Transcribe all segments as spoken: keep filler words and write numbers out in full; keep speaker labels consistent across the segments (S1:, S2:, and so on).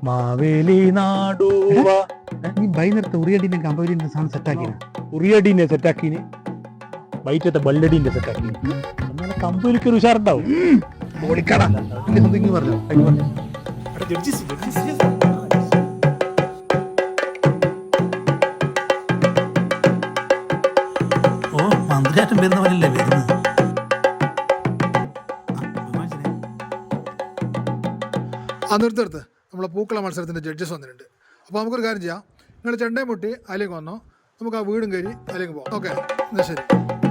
S1: മാവേലി നാടുവ
S2: നീ ബൈനത്തെ ഉറിയടിന്റെ കമ്പവലിന്റെ സാധനം സെറ്റാക്കിന്
S1: ഉറിയടീനെ സെറ്റാക്കിന് വൈറ്റത്തെ ബള്ളടീന്റെ സെറ്റാക്കിന് എന്നാലും കമ്പനിക്ക് ഒരു ഉഷാറുണ്ടാവും.
S2: ഓടിക്കടാ എന്തെങ്കിലും പറഞ്ഞോ അതിന് പറഞ്ഞു
S3: ഓ മന്ത്രിയാറ്റം വരുന്ന പോലല്ലേ വരുന്നത്.
S4: ആ നിർത്തടുത്ത് നമ്മളെ പൂക്കള മത്സരത്തിൻ്റെ ജഡ്ജസ് വന്നിട്ടുണ്ട്. അപ്പോൾ നമുക്കൊരു കാര്യം ചെയ്യാം, നിങ്ങൾ ചെണ്ടയും മുട്ടി അതിലേക്ക് വന്നോ, നമുക്ക് ആ വീടും കയറി അതിലേക്ക് പോകാം. ഓക്കെ, എന്നാൽ ശരി.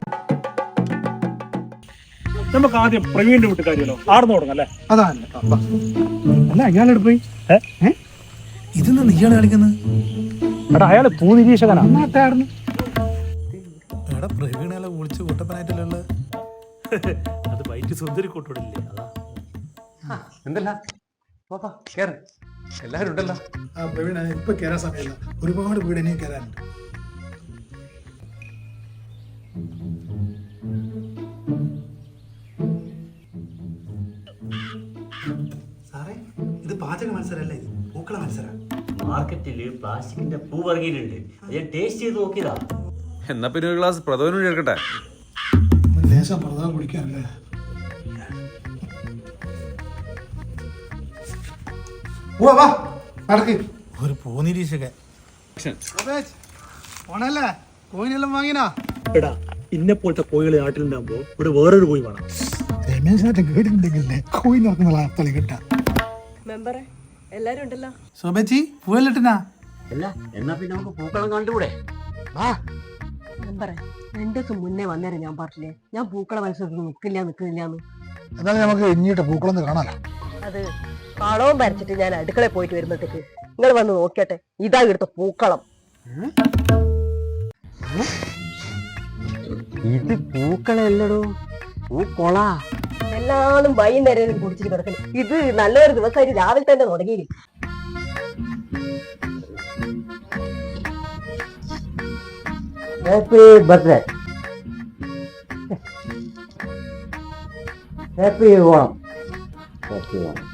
S1: നമുക്ക് ആദ്യം പ്രവീണിന്റെ വീട്ടുകാരിയല്ലോ ആർന്നു തുടങ്ങാം അല്ലേ?
S4: അതാണ്
S2: അല്ല അയാളെവിടെ പോയി
S3: ഇതെന്താ നീയാണ് കളിക്കുന്നത്?
S1: എടാ അയാള് ഭൂനിരീക്ഷകനാ.
S2: നാട്ടായിരുന്നു
S3: എടാ പ്രവീണല്ല വിളിച്ച് കൂട്ടപ്പനായിട്ടല്ലേ.
S1: അത് വൈറ്റ് സുന്ദരി കൂട്ടോടില്ലേ അതാ.
S5: എന്തല്ല കേറ്, എല്ലാവരും ഉണ്ടല്ലോ.
S4: ആ പ്രവീണ ഇപ്പം കയറാൻ സമയമില്ല, ഒരുപാട് വീട് ഇനിയും കയറാനുണ്ട്.
S3: സാറേ ഇത് പാചക മത്സരമല്ല, ഇത് പൂക്കള മത്സരം.
S6: മാർക്കറ്റില് പ്ലാസ്റ്റിക്കിന്റെ പൂ ഇറങ്ങിയിട്ടുണ്ട്. ഞാൻ ടേസ്റ്റ് ചെയ്ത് നോക്കിയതാ.
S5: എന്നാ പിന്നെ ഒരു ഗ്ലാസ് പ്രഥമനും എടുക്കട്ടെ.
S4: ലേശം പ്രധാനം കുടിക്കാനല്ലേ.
S3: ഒരു പൂനിരീക്ഷകൻ.
S4: ഓണല്ലേ കോയിനെല്ലാം വാങ്ങിനാ?
S1: എടാ ഇന്നെ പോലത്തെ കോഴികൾ നാട്ടിലുണ്ടാകുമ്പോ ഇവിടെ വേറൊരു കോഴി വേണം.
S4: രമേശായിട്ട് കേട്ടിട്ടുണ്ടെങ്കിലേ കോയിൻ ഇറക്കുന്ന സ്ഥലം കിട്ടാ.
S7: മെമ്പറെ എല്ലാരും ഉണ്ടല്ലോ.
S3: ശോഭേച്ചി പൂവല്ലിട്ടനാ?
S6: അല്ല എന്നാ പിന്നെ നമുക്ക് പൂക്കളം കണ്ടുകൂടെ?
S7: മെമ്പറെ രണ്ടു ദിവസം മുന്നേ വന്നേരം ഞാൻ പറഞ്ഞില്ലേ ഞാൻ പൂക്കള മത്സരത്തിൽ നിൽക്കില്ല നിൽക്കുന്നില്ലാന്ന്.
S4: എന്നാലും നമുക്ക് ഇഞ്ഞിട്ട് പൂക്കളൊന്ന് കാണാലോ.
S7: അത് കളവും വരച്ചിട്ട് ഞാൻ അടുക്കളയിൽ പോയിട്ട് വരുമ്പോഴത്തേക്ക് നിങ്ങൾ വന്ന് നോക്കിയട്ടെ, ഇതാ ഇവിടുത്തെ പൂക്കളം.
S6: ഇത് പൂക്കളല്ലടോ, പൂക്കൊള.
S7: എല്ലാതും വൈകുന്നേരം കുടിച്ചിട്ട് കിടക്കുന്നു. ഇത് നല്ലൊരു ദിവസമായിട്ട് രാവിലെ തന്നെ തുടങ്ങി.
S6: Happy birthday, happy Onam, happy Onam.